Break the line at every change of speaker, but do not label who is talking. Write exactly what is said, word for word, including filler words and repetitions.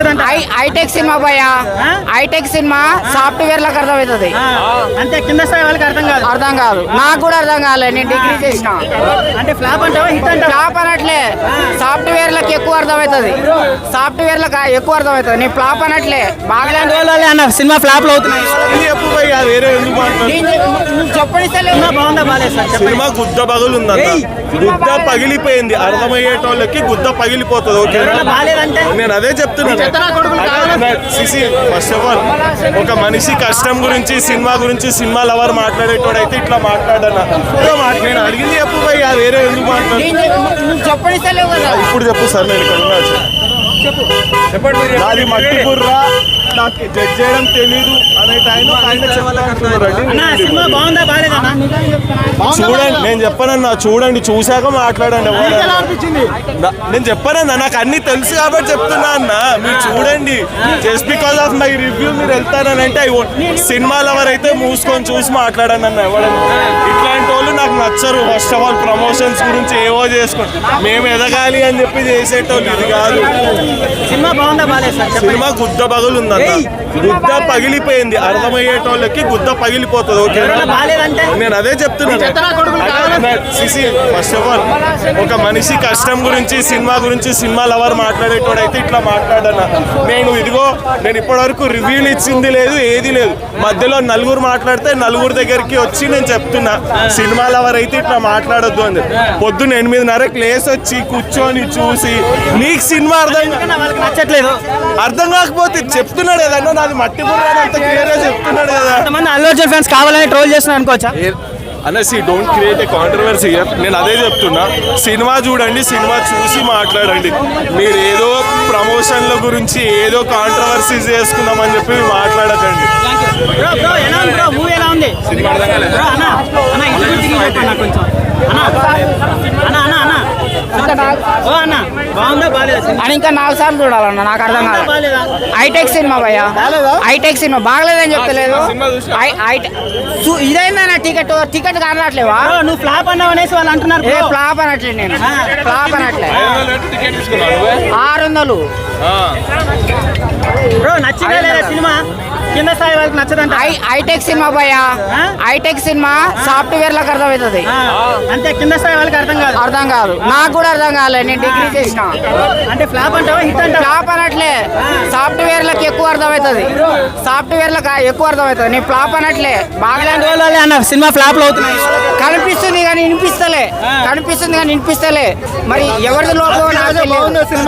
నచ్చదంట.
Hitech సినిమా భయ, hitech సినిమా సాఫ్ట్వేర్ లకు అర్థమవుతుంది,
అంటే కింద స్థాయి వాళ్ళకి అర్థం కాదు.
అర్థం కాదు, నాకు కూడా అర్థం కాలేదు. నేను డిగ్రీ చేసిన.
అంటే ఫ్లాప్ అంటావా హిట్ అంటావా?
ఫ్లాప్ అనట్లే, సాఫ్ట్వేర్ లకు ఎక్కువ అర్థమవుతుంది, సాఫ్ట్వేర్ లకు ఎక్కువ అర్థమవుతుంది. నేను ఫ్లాప్ అనట్లే, బాగా
అన్న సినిమా ఫ్లాప్ లో అవుతున్నాయి.
చెప్పండి
బాగుందా బాగాలేదు సార్?
సినిమా గుద్ద పగులు ఉందన్న, గుద్ద పగిలిపోయింది. అర్థమయ్యేటోళ్ళకి గుద్ద పగిలిపోతుంది. ఓకే,
బాగాలేదంటే
నేను అదే చెప్తున్నాను. ఫస్ట్ ఆఫ్ ఆల్ ఒక మనిషి కష్టం గురించి, సినిమా గురించి, సినిమా లవర్ మాట్లాడేటోడు అయితే ఇట్లా మాట్లాడన్నా. నేను అడిగింది చెప్పు పోయి, వేరే ఎందుకు మాట్లాడు?
చెప్పండి
ఇప్పుడు చెప్పు సార్, నేను ఇక్కడ ఉన్నా. చెప్పండి, నాది మట్టి బుర్ర, నాకు జడ్జ్ చేయడం తెలీదు అనే టైంలో ఆయన చెప్పాలంటున్నారండి.
సినిమా బాగుందా బాగాలేదన్నా?
చూడండి, నేను చెప్పానన్నా, చూడండి, చూశాక మాట్లాడండి. నేను చెప్పానన్నా, నాకు అన్ని తెలుసు కాబట్టి చెప్తున్నా అన్న. మీరు చూడండి, just because of my review మీరు వెళ్తారని అంటే సినిమాల ఎవరైతే మూసుకొని చూసి మాట్లాడాను అన్న. ఎవరైనా ఇట్లాంటి వాళ్ళు నాకు నచ్చరు. ఫస్ట్ ఆఫ్ ఆల్ ప్రమోషన్స్ గురించి ఏవో చేసుకోండి, మేము ఎదగాలి అని చెప్పి చేసేటోళ్ళు. ఇది కాదు.
సినిమా బాగుందా బాగాలేదు సార్?
సినిమా గుద్ద పగులు ఉందన్న, గుద్ద పగిలిపోయింది. అర్థమయ్యేటోళ్ళకి గుద్ద పగిలిపోతుంది. ఓకే,
బాగాలేదంటే
నేను అదే చెప్తున్నాను. ఫస్ట్ ఆఫ్ ఆల్ ఒక మనిషి కష్టం గురించి, సినిమా గురించి, సినిమా లవర్ మాట్లాడేటోడు అయితే ఇట్లా మాట్లాడన్నా. నేను ఇదిగో, నేను ఇప్పటి వరకు రివ్యూలు ఇచ్చింది లేదు, ఏది లేదు. మధ్యలో నలుగురు మాట్లాడితే నలుగురు దగ్గరికి వచ్చి నేను చెప్తున్నా, సినిమా లవర్ అయితే ఇట్లా మాట్లాడొద్దు అని. పొద్దున్న ఎనిమిదిన్నరకు లేసి వచ్చి కూర్చొని చూసి, నీకు సినిమా అర్థం
వాళ్ళకి నచ్చట్లేదు,
అర్థం కాకపోతే చెప్తున్నాడు కదన్నా, నాది మట్టి బుర్ర అంత క్లియర్ గా చెప్తున్నాడు కదా.
కొంతమంది అల్లు అర్జున్ ఫ్యాన్స్ కావాలని ట్రోల్ చేస్తున్నారు అనుకోవచ్చా?
అనేసి డోంట్ క్రియేట్ ఏ కాంట్రవర్సీ. నేను అదే చెప్తున్నా, సినిమా చూడండి, సినిమా చూసి మాట్లాడండి. మీరు ఏదో ప్రమోషన్ల గురించి ఏదో కాంట్రవర్సీస్ చేసుకుందామని చెప్పి మాట్లాడకండి.
అని ఇంకా నాలుగు సార్లు చూడాలన్న, నాకు అర్థం కాదు. హైటెక్ సినిమా భయ్యా, హైటెక్ సినిమా బాగలేదని చెప్తలేదు. ఇదైందన్న టికెట్ టికెట్ కానట్లేవా?
నువ్వు ఫ్లాప్ అన్నావు అనేసి వాళ్ళు అంటున్నారు.
ఏ ఫ్లాప్ అనట్లేదు, నేను ఫ్లాప్ అనట్లే. ఆరు వందలు
బ్రో నచ్చిందా లేదా సినిమా? కింద స్థాయి వాళ్ళకి నచ్చదంట.
హైటెక్ సినిమా భయ్యా, హైటెక్ సినిమా సాఫ్ట్వేర్ లకు అర్థమవుతుంది,
అంటే కింద స్థాయి వాళ్ళకి అర్థం కాదు.
అర్థం కాదు, నాకు కూడా అర్థం కాలేదు. నేను డిగ్రీ చేసిన.
అంటే ఫ్లాప్ అంటావా హిట్ అంటావా?
ఫ్లాప్ అనట్లే, సాఫ్ట్వేర్ లకు ఎక్కువ అర్థమవుతుంది, సాఫ్ట్వేర్ లకు ఎక్కువ అర్థమవుతుంది. నేను ఫ్లాప్ అనట్లే, బాగా
అన్న సినిమా ఫ్లాప్ లో అవుతున్నాయి.
కనిపిస్తుంది కానీ వినిపిస్తలే, కనిపిస్తుంది కానీ వినిపిస్తలే. మరి ఎవరిది లోపల